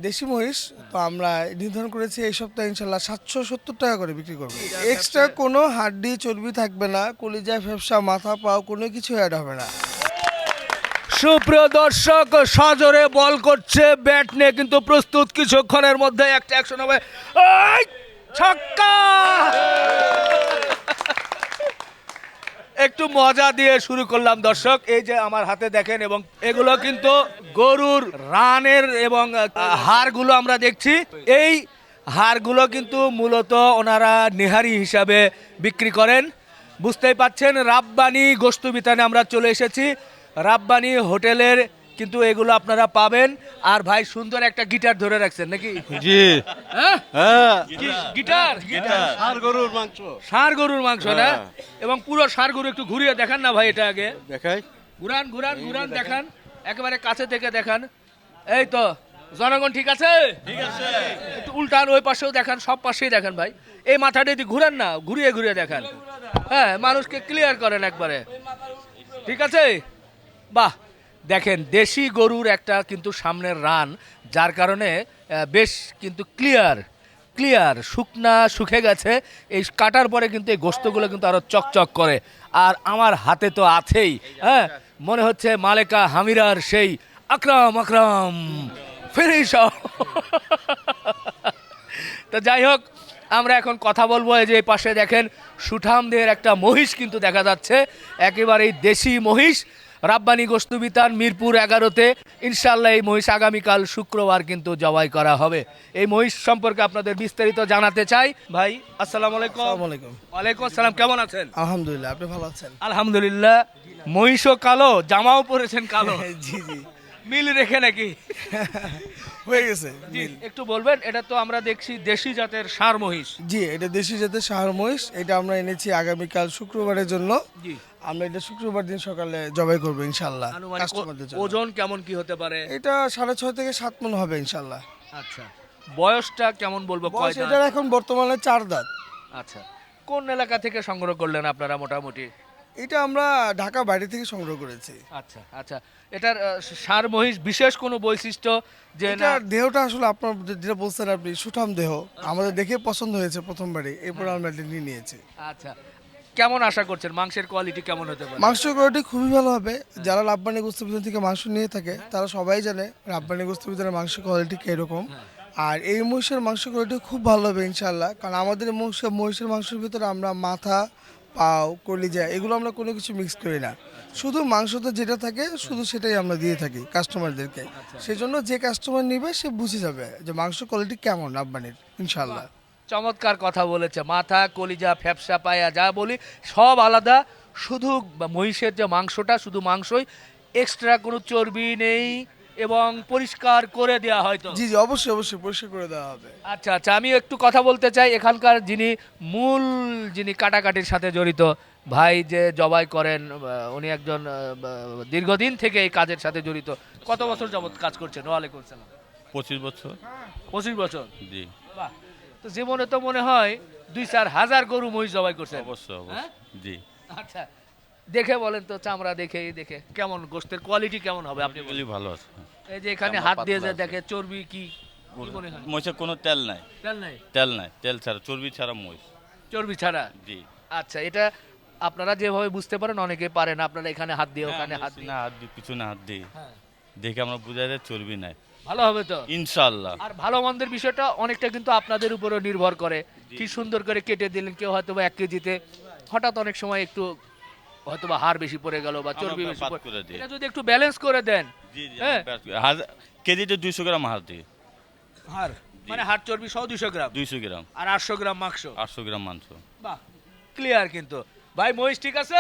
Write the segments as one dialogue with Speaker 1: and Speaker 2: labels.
Speaker 1: দেশি মহিষ তো আমরা নির্ধারণ করেছি এই সপ্তাহে ইনশাল্লাহ 770 টাকা করে বিক্রি করবো। এক্সট্রা কোনো হাড্ডি চর্বি থাকবে না, কলিজা ফ্যাপসা মাথা পাও কোনো কিছু অ্যাড হবে না।
Speaker 2: সুপ্রিয় দর্শক, সজোরে বল করছে, ব্যাট নিয়ে কিন্তু প্রস্তুত, কিছুক্ষণের মধ্যে একটা অ্যাকশন হবে। এই, ছক্কা! একটু মজা দিয়ে শুরু করলাম দর্শক। এই যে আমার হাতে দেখেন, এবং এগুলো কিন্তু গরুর রানের এবং হাড়গুলো আমরা দেখছি। এই হাড়গুলো কিন্তু মূলত ওনারা নেহারি হিসাবে বিক্রি করেন। বুঝতেই পাচ্ছেন, রাব্বানি গোশত বিতানে আমরা চলে এসেছি। রাব্বানি হোটেলের কিন্তু এগুলো আপনারা পাবেন। আর ভাই সুন্দর একটা গিটার ধরে রাখছেন নাকি?
Speaker 3: জি
Speaker 2: হ্যাঁ,
Speaker 3: হ্যাঁ
Speaker 2: গিটার
Speaker 3: আর গরুর মাংস
Speaker 2: ষাঁড় গরুর মাংস না? এবং পুরো ষাঁড় গরু একটু ঘুরিয়ে দেখান না ভাই, এটা আগে
Speaker 3: দেখাই।
Speaker 2: ঘুরান ঘুরান ঘুরান, দেখান একেবারে কাছে থেকে দেখান। এই তো জনগণ ঠিক আছে, ঠিক আছে, একটু উল্টান, ওই পাশেও দেখান, সব পাশেই দেখান ভাই। এই মাথাটা যদি ঘুরান না, ঘুরিয়ে ঘুরিয়ে দেখান, হ্যাঁ, মানুষকে ক্লিয়ার করেন একবারে, ঠিক আছে? বাহ, দেখেন দেশি গরুর একটা কিন্তু সামনের রান, যার কারণে বেশ কিন্তু ক্লিয়ার শুকনা শুকে গেছে। এই কাটার পরে কিন্তু এই গোস্তগুলো কিন্তু আরো চকচক করে। আর আমার হাতে তো আছেই, হ্যাঁ, মনে হচ্ছে মালেকা হামিরার সেই আকরাম ফিনিশ। তো যাই হোক, আমরা এখন কথা বলবো। এই যে এই পাশে দেখেন সুঠামদের একটা মহিষ কিন্তু দেখা যাচ্ছে, একেবারেই দেশি মহিষ। রাব্বানি গোশত বিতান মিরপুর 11-তে ইনশাল্লাহ এই মহিষ আগামীকাল শুক্রবার কিন্তু জবাই করা হবে। এই মহিষ সম্পর্কে আপনাদের বিস্তারিত জানাতে চাই। ভাই আসসালামু আলাইকুম।
Speaker 1: আসসালামু আলাইকুম।
Speaker 2: ওয়ালাইকুম আসসালাম, কেমন আছেন?
Speaker 1: আলহামদুলিল্লাহ, আপনি ভালো আছেন?
Speaker 2: আলহামদুলিল্লাহ। মহিষও কালো, জামাও পরেছেন কালো,
Speaker 1: জি জি
Speaker 2: মিল রেখে নাকি?
Speaker 1: হয়ে গেছে।
Speaker 2: জি, একটু বলবেন, এটা তো আমরা দেখছি দেশি জাতের ষাঁড় মহিষ।
Speaker 1: জি, এটা দেশি জাতের ষাঁড় মহিষ। এটা আমরা এনেছি আগামীকাল শুক্রবারের জন্য।
Speaker 2: জি,
Speaker 1: আমরা এটা শুক্রবার দিন সকালে জবাই করবো ইনশাল্লাহ
Speaker 2: আনুমানিক
Speaker 1: কাস্টমারদের জন্য।
Speaker 2: ওজন কেমন কি হতে পারে?
Speaker 1: এটা 6.5 থেকে 7 মণ হবে ইনশাল্লাহ।
Speaker 2: আচ্ছা, বয়সটা কেমন বলবো, কয়
Speaker 1: বয়স
Speaker 2: দাঁত?
Speaker 1: এটার এখন বর্তমানে 4 দাঁত।
Speaker 2: আচ্ছা, কোন এলাকা থেকে সংগ্রহ করলেন আপনারা মোটামুটি?
Speaker 1: এটা আমরা ঢাকা বাইরে থেকে সংগ্রহ করেছি।
Speaker 2: আচ্ছা আচ্ছা, এটার ষাঁড় মহিষ বিশেষ কোনো বৈশিষ্ট্য যে না?
Speaker 1: এটার দেহটা আসলে আপনার যেটা বলছেন আপনি, সুঠাম দেহ, আমাদের দেখে পছন্দ হয়েছে প্রথমবারই, এরপর আমরা এটা নিয়ে নিয়েছি।
Speaker 2: আচ্ছা, কেমন আশা করছেন মাংসের কোয়ালিটি কেমন হতে পারে?
Speaker 1: মাংস কোয়ালিটি খুবই ভালো হবে। যারা রাব্বানি গোশত বিতান থেকে মাংস নিয়ে থাকে তারা সবাই জানে রাব্বানি গোশত বিতানের মাংস কোয়ালিটি কিরকম। আর এই মহিষের মাংস কোয়ালিটি খুব ভালো হবে ইনশাল্লাহ, কারণ আমাদের মহিষের মাংসের ভিতরে আমরা মাথা পাও কলিজা এগুলো আমরা কোনো কিছু মিক্স করি না, শুধু মাংসতে যেটা থাকে শুধু সেটাই আমরা দিয়ে থাকি কাস্টমারদেরকে। সেজন্য যে কাস্টমার নেবে সে বুঝে যাবে যে মাংস কোয়ালিটি কেমন রাব্বানির ইনশাল্লাহ।
Speaker 2: চমৎকার কথা বলেছে। মাথা কলিজা ফ্যাপসা পায়া যা বলি সব আলাদা, শুধু মহিষের যে মাংসটা শুধু মাংসই, এক্সট্রা কোনো চর্বি নেই এবং পরিষ্কার করে দেওয়া হয়তো।
Speaker 1: জি জি, অবশ্যই অবশ্যই পরিষ্কার করে দেওয়া হবে।
Speaker 2: আচ্ছা আচ্ছা, আমি একটু কথা বলতে চাই, এখানকার যিনি কাটাকাটির সাথে জড়িত ভাই যে জবাই করেন, উনি একজন দীর্ঘদিন থেকে এই কাজের সাথে জড়িত। কত বছর যাবত কাজ করছেন? ওয়ালাইকুম আসসালাম।
Speaker 3: 25 বছর।
Speaker 2: 25 বছর?
Speaker 3: জি
Speaker 2: বাহ, তো জীবনে তো মনে হয় 2-4 হাজার গরু মহিষ জবাই করছেন।
Speaker 3: অবশ্যই
Speaker 2: হ্যাঁ?
Speaker 3: অবশ্যই। জি
Speaker 2: আচ্ছা, দেখে বলেন তো, চামড়া দেখে কেমন, গোশতের কোয়ালিটি কেমন হবে আপনি বলেন?
Speaker 3: এগুলি ভালো আছে।
Speaker 2: এই যে এখানে
Speaker 3: চামড়া
Speaker 2: হাত দিয়ে যে
Speaker 3: পাতলা আছে।
Speaker 2: দেখে, চর্বি কি মনে হয়?
Speaker 3: মহিষের কোনো তেল নাই,
Speaker 2: তেল নাই?
Speaker 3: তেল ছাড়া, চর্বি ছাড়া মহিষ।
Speaker 2: চর্বি ছাড়া?
Speaker 3: জি।
Speaker 2: আচ্ছা, এটা আপনারা যেভাবে বুঝতে পারেন অনেকে পারে না, আপনারা এখানে হাত দিয়ে ওখানে হাত দিয়ে,
Speaker 3: না হাত দিই, পিছনে হাত দিই,
Speaker 2: হ্যাঁ,
Speaker 3: দেখে আমরা বুঝাই যায় চর্বি নাই।
Speaker 2: ভালো হবে তো
Speaker 3: ইনশাআল্লাহ।
Speaker 2: আর ভালো মন্দের বিষয়টা অনেকটা কিন্তু আপনাদের উপরও নির্ভর করে। কি সুন্দর করে কেটে দিলেন, কেউ হয়তো বা 1 কেজিতে হঠাৎ অনেক সময় একটু হয়তো বা হাড় বেশি পড়ে গেল বা চর্বি বেশি
Speaker 3: বাদ
Speaker 2: পড়ে,
Speaker 3: করে দিই।
Speaker 2: এটা যদি একটু ব্যালেন্স করে দেন।
Speaker 3: জি জি,
Speaker 2: হ্যাঁ,
Speaker 3: কেজিতে 200 গ্রাম হাত দিই।
Speaker 2: হাড় মানে হাড় চর্বি সহ 200 গ্রাম
Speaker 3: 200 গ্রাম,
Speaker 2: আর 800 গ্রাম মাংস।
Speaker 3: 800 গ্রাম মাংস।
Speaker 2: বাহ, ক্লিয়ার কিন্তু। ভাই মহিষ ঠিক আছে?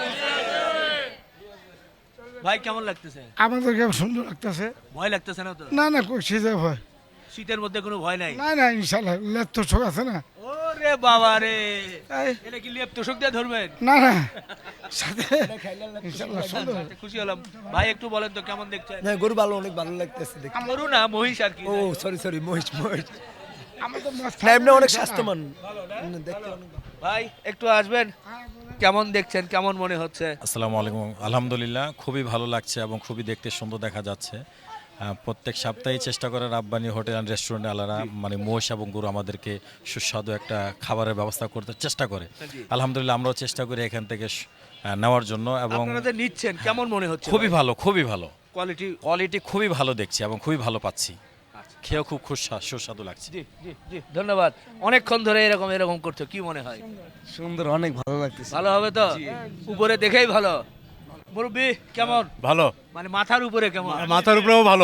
Speaker 2: ভাই কেমন লাগতেছে?
Speaker 4: আমাদেরকে সুন্দর লাগতেছে।
Speaker 2: ভয় লাগতেছে না তো?
Speaker 4: না না, কই সিজে ভয়।
Speaker 2: শীতের মধ্যে কোনো ভয় নাই?
Speaker 4: না না, ইনশাল্লাহ লেপ তো শোক আছে না।
Speaker 2: ওরে বাবা রে,
Speaker 4: এই,
Speaker 2: এটা কি লেপ তোষক দিয়ে ধরবেন?
Speaker 4: না না, সাথে ইনশাল্লাহ সুন্দর।
Speaker 2: আচ্ছা, খুশি হলাম। ভাই একটু বলেন তো কেমন দেখছেন?
Speaker 5: না, গরু ভালো, অনেক ভালো লাগতেছে দেখতে।
Speaker 2: গরু না মহিষ আর কি।
Speaker 5: ও সরি মহিষ।
Speaker 4: আমাদের মাছ
Speaker 5: না, এমনি অনেক স্বাস্থ্যবান দেখতে অনেক ভালো।
Speaker 2: ভাই একটু আসবেন, কেমন দেখছেন, কেমন মনে হচ্ছে?
Speaker 6: আসসালামু আলাইকুম। আলহামদুলিল্লাহ, খুবই ভালো লাগছে এবং খুবই দেখতে সুন্দর দেখা যাচ্ছে। প্রত্যেক সপ্তাহে চেষ্টা করে রাব্বানি হোটেল অ্যান্ড রেস্টুরেন্ট আলারা মানে মহিষ এবং গরু আমাদেরকে সুস্বাদু একটা খাবারের ব্যবস্থা করতে চেষ্টা করে। আলহামদুলিল্লাহ আমরাও চেষ্টা করি এখান থেকে নেওয়ার জন্য এবং
Speaker 2: আপনারা যে নিচ্ছেন কেমন মনে হচ্ছে?
Speaker 6: খুবই ভালো, খুবই ভালো
Speaker 2: কোয়ালিটি।
Speaker 6: কোয়ালিটি খুবই ভালো দেখছি এবং খুবই ভালো পাচ্ছি, খেয়েও খুব সুস্বাদু লাগছে।
Speaker 2: জি জি জি ধন্যবাদ। অনেকক্ষণ ধরে এরকম এরকম করছো, কি মনে হয়?
Speaker 5: সুন্দর, অনেক ভালো লাগতেছে।
Speaker 2: ভালো হবে তো? উপরে দেখেই ভালো। মুরব্বি কেমন?
Speaker 3: ভালো,
Speaker 2: মানে মাথার উপরে কেমন?
Speaker 3: মাথার উপরেও ভালো।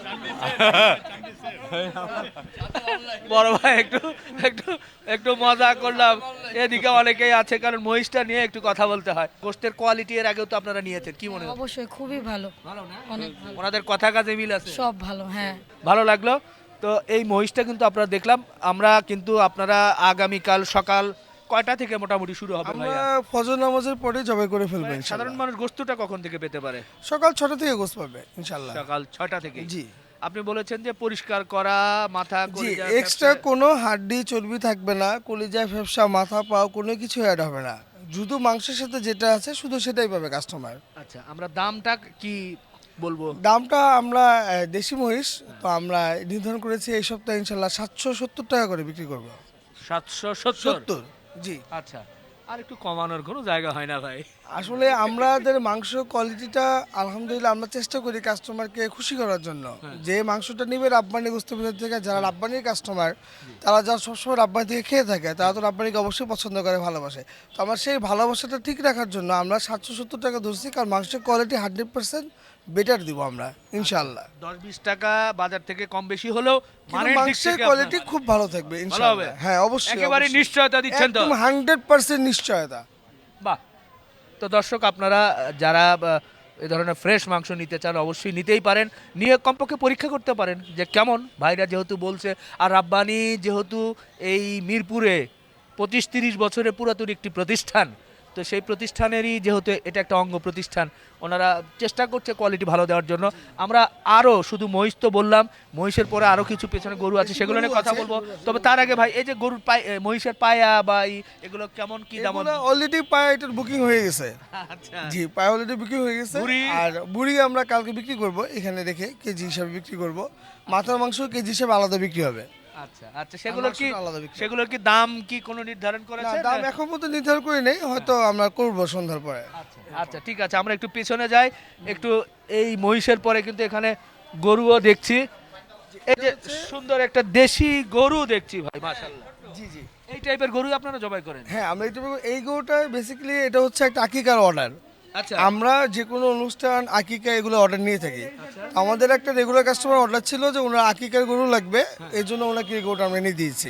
Speaker 2: বড় ভাই একটু একটু একটু মজা করলাম। এদিকে অনেকেই আছে, কারণ মহিষটা নিয়ে একটু কথা বলতে হয়। গোশতের কোয়ালিটি এর আগেও তো আপনারা নিয়েছেন, কি মনে হয়?
Speaker 7: অবশ্যই খুবই ভালো,
Speaker 2: ভালো না?
Speaker 7: অনেক ভালো,
Speaker 2: ওনাদের কথা কাজে মিল আছে,
Speaker 7: সব ভালো। হ্যাঁ,
Speaker 2: ভালো লাগলো। তো এই মহিষটা কিন্তু আপনারা দেখলাম। আমরা কিন্তু আপনারা আগামীকাল সকাল কয়টা থেকে মোটামুটি শুরু হবে
Speaker 1: আমরা
Speaker 2: ভাইয়া?
Speaker 1: ফজর নামাজের পরে জবাই করে ফেলবো
Speaker 2: সাধারণ
Speaker 1: ইনশাআল্লাহ।
Speaker 2: মানুষ গোশতটা কখন থেকে পেতে পারে?
Speaker 1: সকাল 6টা থেকে গোস পাবে ইনশাআল্লাহ।
Speaker 2: সকাল 6টা থেকে।
Speaker 1: জি
Speaker 2: আপনি বলেছেন যে পরিষ্কার করা মাথা
Speaker 1: জি,
Speaker 2: কলিজা,
Speaker 1: এক্সট্রা
Speaker 2: ফ্যাপসা-
Speaker 1: কোনো হাড্ডি চর্বি থাকবে না, কলিজা ফেফসা মাথা পাও কোনো কিছু অ্যাড হবে না। শুধু মাংসের সাথে যেটা আছে শুধু সেটাই পাবে কাস্টমার।
Speaker 2: আচ্ছা, আমরা দামটা কি বলবো?
Speaker 1: দামটা আমরা দেশি মহিষ তো আমরা নির্ধারণ করেছি এই সপ্তাহে ইনশাল্লাহ 770 টাকা করে বিক্রি করবো।
Speaker 2: 770।
Speaker 1: 70 জি।
Speaker 2: আচ্ছা, আর একটু কমানোর কোনো জায়গা হয় না ভাই?
Speaker 1: আসলে আমাদের মাংস কোয়ালিটিটা আলহামদুলিল্লাহ আমরা চেষ্টা করি কাস্টমারকে খুশি করার জন্য। যে মাংসটা নিবে রাব্বানি গোশত বাজার থেকে, যারা রাব্বানির কাস্টমার তারা যারা সবসময় রাব্বানি থেকে খেয়ে থাকে তারা তো রাব্বানিকে অবশ্যই পছন্দ করে, ভালোবাসে। তো আমরা সেই ভালোবাসাটা ঠিক রাখার জন্য আমরা 770 টাকা ধরছি, কারণ মাংসের কোয়ালিটি 100% বেটার দিব আমরা ইনশাআল্লাহ।
Speaker 2: 10-20 টাকা বাজার থেকে কম বেশি হলেও
Speaker 1: কিন্তু
Speaker 2: মানের দিক
Speaker 1: মাংসের
Speaker 2: থেকে
Speaker 1: কোয়ালিটি
Speaker 2: আপনার-
Speaker 1: খুব ভালো থাকবে
Speaker 2: ভালো হবে?
Speaker 1: ইনশাআল্লাহ। হ্যাঁ অবশ্যই,
Speaker 2: একেবারে
Speaker 1: অবশ্যই।
Speaker 2: নিশ্চয়তা দিচ্ছেন তো?
Speaker 1: একদম 100% নিশ্চয়তা।
Speaker 2: বাহ। তো দর্শক আপনারা যারা এই ধরনের ফ্রেশ মাংস নিতে চান অবশ্যই নিতেই পারেন, নিয়ে কমপক্ষে পরীক্ষা করতে পারেন যে কেমন। ভাইরা যেহেতু বলছে, আর রাব্বানি যেহেতু এই মিরপুরে 25-30 বছরের পুরাতন একটি প্রতিষ্ঠান, তো সেই প্রতিষ্ঠানেরই যেহেতু এটা একটা অঙ্গ প্রতিষ্ঠান, ওনারা চেষ্টা করছে কোয়ালিটি ভালো দেওয়ার জন্য। আমরা আরও শুধু মহিষ তো বললাম, মহিষের পরে আরও কিছু পেছনে গরু আছে, সেগুলো নিয়ে কথা বলবো। তবে তার আগে ভাই, এই যে গরুর মহিষের পায়া বা এগুলো কেমন কি দাম?
Speaker 1: অলরেডি পায়ে এটার বুকিং হয়ে গেছে।
Speaker 2: আচ্ছা,
Speaker 1: জি, পায়ে অলরেডি বুকিং হয়ে গেছে।
Speaker 2: বুড়ি?
Speaker 1: আর বুড়ি আমরা কালকে বিক্রি করব, এখানে রেখে কেজি হিসাবে বিক্রি করব। মাথার মাংস কেজি হিসাবে আলাদা বিক্রি হবে।
Speaker 2: আচ্ছা আচ্ছা, সেগুলো কি
Speaker 1: মাংসটা আলাদা বিক্রি।
Speaker 2: সেগুলোর কি দাম কি কোনো নির্ধারণ
Speaker 1: না,
Speaker 2: করেছে?
Speaker 1: দাম এখন পর্যন্ত নির্ধারণ করে নেই, হয়তো আমরা করব সন্ধ্যার পরে।
Speaker 2: আচ্ছা আচ্ছা, ঠিক আছে, আমরা একটু পেছনে যাই। একটু এই মহিষের পরে কিন্তু এখানে গরুও দেখছি। এই যে সুন্দর একটা দেশি গরু দেখছি ভাই, মাশাআল্লাহ।
Speaker 1: জি জি।
Speaker 2: এই টাইপের গরু আপনারা জবাই করেন?
Speaker 1: হ্যাঁ, আমরা এই গরুটা বেসিক্যালি এটা হচ্ছে একটা আকিকার অর্ডার।
Speaker 2: আচ্ছা,
Speaker 1: আমরা যে কোনো অনুষ্ঠান আকিকা এগুলো অর্ডার নিয়ে থাকি। আমাদের একটা রেগুলার কাস্টমার অর্ডার ছিল যে ওনার আকিকার গরু লাগবে, এই জন্য ওনাকে এই গরুটা আমরা এনে দিয়েছি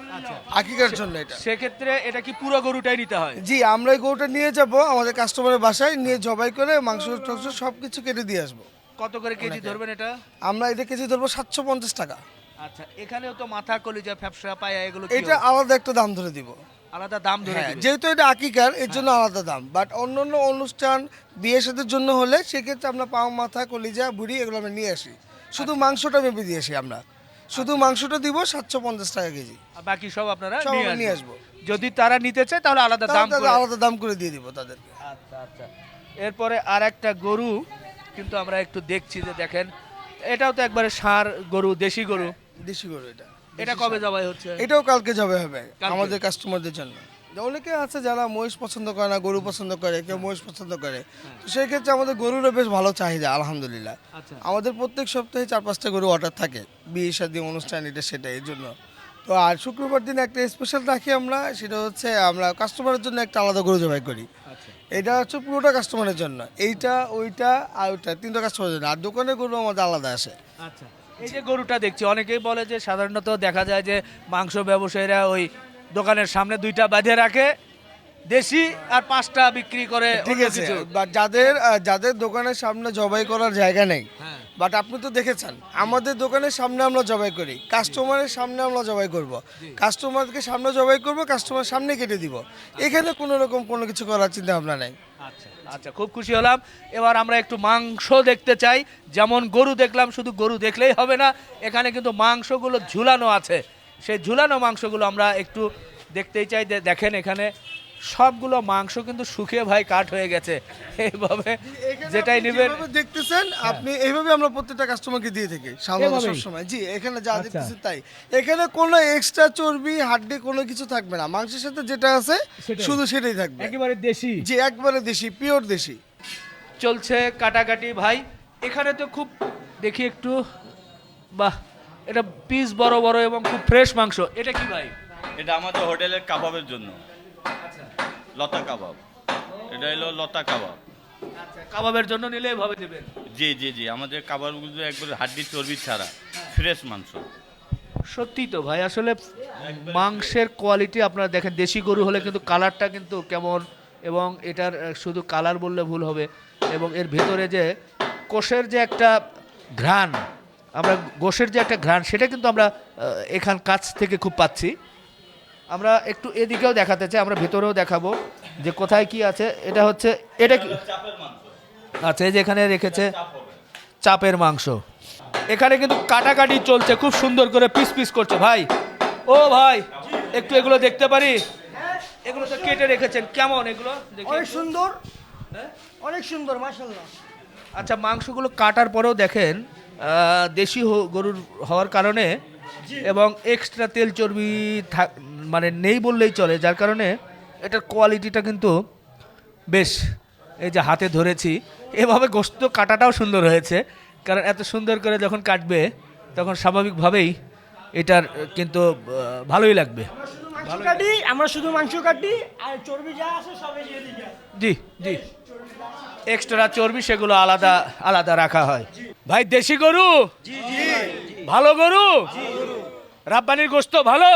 Speaker 1: আকিকার জন্য। এটা
Speaker 2: সেক্ষেত্রে এটা কি পুরো গরুটাই নিতে হয়?
Speaker 1: জি, আমরা এই গরুটা নিয়ে যাব আমাদের কাস্টমারের বাসায়, নিয়ে জবাই করে মাংস টাংস সব কিছু কেটে দিয়ে আসবো।
Speaker 2: কত করে কেজি ধরবেন এটা?
Speaker 1: আমরা এটা কেজি ধরবো 750 টাকা।
Speaker 2: আচ্ছা, এখানেও তো মাথা কলিজা ফ্যাপসা পায়া এগুলো কি
Speaker 1: এটা আলাদা একটা দাম ধরে দিব।
Speaker 2: আলাদা দাম ধরে
Speaker 1: হ্যাঁ,
Speaker 2: দিবেন?
Speaker 1: যেহেতু এটা আকিকার এর জন্য আলাদা দাম, বাট অন্য অন্য অনুষ্ঠান বিয়ে সাথের জন্য হলে সেক্ষেত্রে আমরা পাও মাথা কলিজা বুড়ি এগুলো আমরা নিয়ে আসি, শুধু মাংসটা মেপে দিয়ে আসি আমরা। শুধু মাংসটা দিব 750 টাকা কেজি,
Speaker 2: আর বাকি সব আপনারা
Speaker 1: সব আমরা নিয়ে
Speaker 2: নিয়ে
Speaker 1: আসবো।
Speaker 2: যদি তারা নিতে চায় তাহলে আলাদা দাম
Speaker 1: তাদের
Speaker 2: করে-
Speaker 1: আলাদা দাম করে দিয়ে দিব তাদেরকে।
Speaker 2: আচ্ছা আচ্ছা। এরপরে আর একটা গরু কিন্তু আমরা একটু দেখছি, যে দেখেন এটাও তো একবারে ষাঁড় গরু, দেশি গরু।
Speaker 1: দেশি গরু এটা।
Speaker 2: এটা কবে জবাই হচ্ছে?
Speaker 1: এটাও কালকে যাবে হবে
Speaker 2: কালকে?
Speaker 1: আমাদের কাস্টমারদের জন্য। অনেকে আছে যারা মহিষ পছন্দ করে না, গরু পছন্দ করে, কেউ মহিষ পছন্দ করে, তো সেই ক্ষেত্রে আমাদের গরুরও বেশ ভালো চাহিদা আলহামদুলিল্লাহ।
Speaker 2: আচ্ছা,
Speaker 1: আমাদের প্রত্যেক সপ্তাহে 4-5টা গরু অর্ডার থাকে, বিয়ে শাদী অনুষ্ঠান এটা সেটা, এর জন্য। তো আর শুক্রবার দিন একটা স্পেশাল রাখি আমরা, সেটা হচ্ছে আমরা কাস্টমারের জন্য একটা আলাদা গরু জবাই করি।
Speaker 2: আচ্ছা,
Speaker 1: এটা হচ্ছে পুরোটা কাস্টমারের জন্য, এইটা ওইটা আর ওইটা, তিনটা কাস্টমারের জন্য। আর দোকানের গরু আমাদের আলাদা আসে।
Speaker 2: আচ্ছা। এই যে গরুটা দেখছি, অনেকেই বলে যে সাধারণত দেখা যায় যে মাংস ব্যবসায়ীরা ওই দোকানের সামনে 2টা বাঁধে রাখে দেশি, আর 5টা বিক্রি করে
Speaker 1: ঠিক
Speaker 2: অন্য
Speaker 1: আছে,
Speaker 2: কিছু।
Speaker 1: বাট যাদের দোকানের সামনে জবাই করার জায়গা নেই,
Speaker 2: হ্যাঁ।
Speaker 1: বাট আপনি তো দেখেছেন আমাদের দোকানের সামনে আমরা জবাই করি, কাস্টমারের সামনে আমরা জবাই করব, কাস্টমারকে সামনে জবাই করব, কাস্টমার সামনে কেটে দিব। এখানে কোনো রকম কোনো কিছু করার চিন্তা ভাবনা নেই।
Speaker 2: আচ্ছা আচ্ছা, খুব খুশি হলাম। এবার আমরা একটু মাংস দেখতে চাই। যেমন গরু দেখলাম, শুধু গরু দেখলেই হবে না, এখানে কিন্তু মাংসগুলো ঝুলানো আছে। সেই ঝুলানো মাংসগুলো আমরা একটু দেখতেই চাই। দেখেন এখানে সবগুলো মাংস কিন্তু শুকিয়ে ভাই কাট হয়ে গেছে এইভাবে যেটাই নেবেন
Speaker 1: যেভাবে দেখতেছেন আপনি এইভাবে আমরা প্রত্যেকটা কাস্টমারকে দিয়ে থাকি সাধারণত
Speaker 4: এভাবেই?
Speaker 1: সবসময়। জি, এখানে যা দেখতেছেন তাই। এখানে কোনো এক্সট্রা চর্বি হাড্ডি কোনো কিছু থাকবে না, মাংসের সাথে যেটা আছে
Speaker 4: সেটাই।
Speaker 1: শুধু সেটাই থাকবে।
Speaker 4: একেবারে দেশি।
Speaker 1: জি, একবারে দেশি, পিওর দেশি।
Speaker 2: চলছে কাটাকাটি ভাই। এখানে তো খুব দেখি একটু, বাহ, এটা পিস বড় বড় এবং খুব ফ্রেশ মাংস। এটা কি ভাই?
Speaker 3: এটা আমাদের হোটেলের কাবাবের জন্য, লতা কাবাব। এটা হলো লতা কাবাব।
Speaker 2: কাবাবের জন্য নিলে এভাবে দেবেন।
Speaker 3: জি জি জি, আমাদের কাবাবগুলো একবার হাড্ডি চর্বি ছাড়া ফ্রেশ মাংস।
Speaker 2: সত্যি তো ভাই, আসলে মাংসের কোয়ালিটি আপনারা দেখেন, দেশি গরু হলে কিন্তু কালারটা কিন্তু কেমন, এবং এটার শুধু কালার বললে ভুল হবে, এবং এর ভেতরে যে কোষের যে একটা ঘ্রাণ, আমরা গোশের যে একটা ঘ্রাণ, সেটা কিন্তু আমরা এখান কাছ থেকে খুব পাচ্ছি। আমরা একটু এদিকেও দেখাতে চাই, আমরা ভেতরেও দেখাবো যে কোথায় কি আছে। এটা হচ্ছে, এটা কি? আচ্ছা, এই যে এখানে রেখেছে চাপের মাংস। এখানে কিন্তু কাটাকাটি চলছে, খুব সুন্দর করে পিস পিস করছে ভাই। ও ভাই, একটু এগুলো দেখতে পারি? এগুলো তো কেটে রেখেছেন, কেমন এগুলো দেখি
Speaker 7: অনেক
Speaker 2: একটু?
Speaker 7: সুন্দর,
Speaker 2: হ্যাঁ?
Speaker 7: অনেক সুন্দর, মাশাআল্লাহ।
Speaker 2: আচ্ছা, মাংসগুলো কাটার পরেও দেখেন দেশি গরুর হওয়ার কারণে এবং এক্সট্রা তেল চর্বি মানে নেই বললেই চলে, যার কারণে এটার কোয়ালিটিটা কিন্তু বেশ। এই যে হাতে ধরেছি, এভাবে গোস্ত কাটাটাও সুন্দর হয়েছে, কারণ এত সুন্দর করে যখন কাটবে তখন স্বাভাবিকভাবেই এটার কিন্তু ভালোই লাগবে।
Speaker 7: আমরা শুধু মাংস কাটি, আর চর্বি যা আছে সবই দিয়ে দিই।
Speaker 2: জি জি, এক্সট্রা চর্বি সেগুলো আলাদা আলাদা রাখা হয়। ভাই, দেশি গরু, ভালো গরু, রাব্বানির গোস্ত ভালো,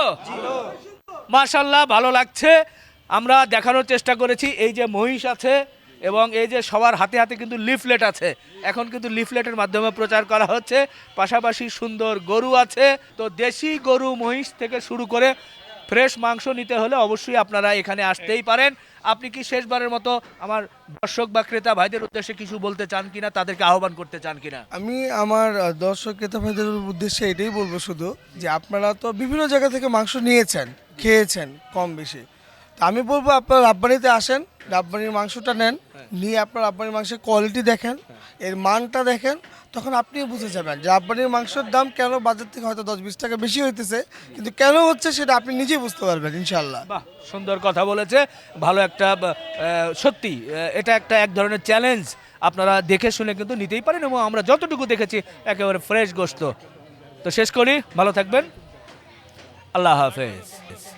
Speaker 2: মাশাল্লাহ, ভালো লাগছে। আমরা দেখানোর চেষ্টা করেছি, এই যে মহিষ আছে এবং এই যে সবার হাতে হাতে কিন্তু লিফলেট আছে, এখন কিন্তু লিফলেটের মাধ্যমে প্রচার করা হচ্ছে, পাশাপাশি সুন্দর গরু আছে। তো দেশি গরু মহিষ থেকে শুরু করে ফ্রেশ মাংস নিতে হলে অবশ্যই আপনারা এখানে আসতেই পারেন। আপনি কি শেষবারের মতো আমার দর্শক বা ক্রেতা ভাইদের উদ্দেশ্যে কিছু বলতে চান কিনা, তাদেরকে আহ্বান করতে চান কিনা?
Speaker 1: আমি আমার দর্শক ক্রেতা ভাইদের উদ্দেশ্যে এটাই বলবো শুধু, যে আপনারা তো বিভিন্ন জায়গা থেকে মাংস নিয়েছেন, খেয়েছেন কম বেশি। তো আমি বলবো আপনারা রাব্বানিতে আসেন, রাব্বানির মাংসটা নেন, নিয়ে আপনার রাব্বানির মাংসের কোয়ালিটি দেখেন, এর মানটা দেখেন, তখন আপনিও বুঝে যাবেন যে রাব্বানির মাংসের দাম কেন বাজার থেকে হয়তো 10-20 টাকা বেশি হইতেছে, কিন্তু কেন হচ্ছে সেটা আপনি নিজেই বুঝতে পারবেন ইনশাল্লাহ।
Speaker 2: বাহ, সুন্দর কথা বলেছে। ভালো একটা সত্যি এটা একটা এক ধরনের চ্যালেঞ্জ, আপনারা দেখে শুনে কিন্তু নিতেই পারেন, এবং আমরা যতটুকু দেখেছি একেবারে ফ্রেশ গোশত। তো শেষ করি, ভালো থাকবেন, আল্লাহ হাফেজ।